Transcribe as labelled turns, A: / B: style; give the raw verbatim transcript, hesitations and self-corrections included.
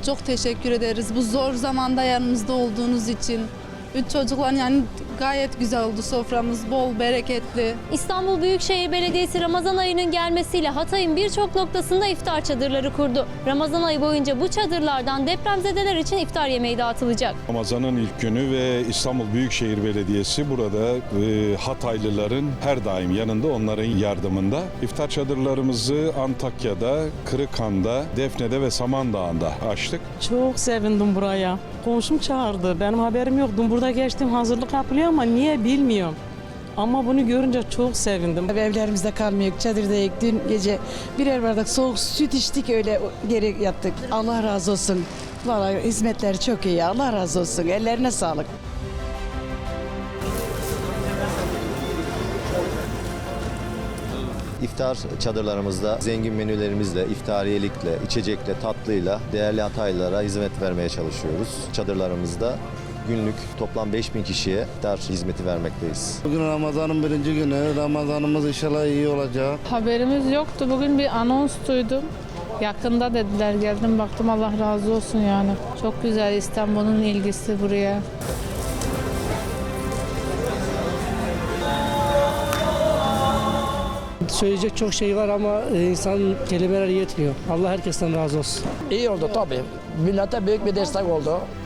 A: çok teşekkür ederiz. Bu zor zamanda yanımızda olduğunuz için. Üç çocuklar yani gayet güzel oldu soframız, bol, bereketli.
B: İstanbul Büyükşehir Belediyesi Ramazan ayının gelmesiyle Hatay'ın birçok noktasında iftar çadırları kurdu. Ramazan ayı boyunca bu çadırlardan depremzedeler için iftar yemeği dağıtılacak.
C: Ramazan'ın ilk günü ve İstanbul Büyükşehir Belediyesi burada e, Hataylıların her daim yanında, onların yardımında. İftar çadırlarımızı Antakya'da, Kırıkhan'da, Defne'de ve Samandağ'da açtık.
D: Çok sevindim buraya. Komşum çağırdı. Benim haberim yoktu. Burada geçtim, hazırlık yapılıyor ama niye bilmiyorum. Ama bunu görünce çok sevindim.
E: Evlerimizde kalmıyor, çadırdayız. Dün gece birer bardak soğuk süt içtik, öyle geri yattık. Allah razı olsun. Vallahi hizmetleri çok iyi. Allah razı olsun. Ellerine sağlık.
F: İftar çadırlarımızda zengin menülerimizle, iftariyelikle, içecekle, tatlıyla değerli Hataylılara hizmet vermeye çalışıyoruz. Çadırlarımızda günlük toplam beş bin kişiye iftar hizmeti vermekteyiz.
G: Bugün Ramazan'ın birinci günü. Ramazanımız inşallah iyi olacak.
H: Haberimiz yoktu. Bugün bir anons duydum. Yakında dediler. Geldim baktım, Allah razı olsun yani. Çok güzel İstanbul'un ilgisi buraya.
I: Söyleyecek çok şey var ama insan kelimeler yetmiyor. Allah herkesten razı olsun.
J: İyi oldu tabii. Millete büyük bir destek oldu.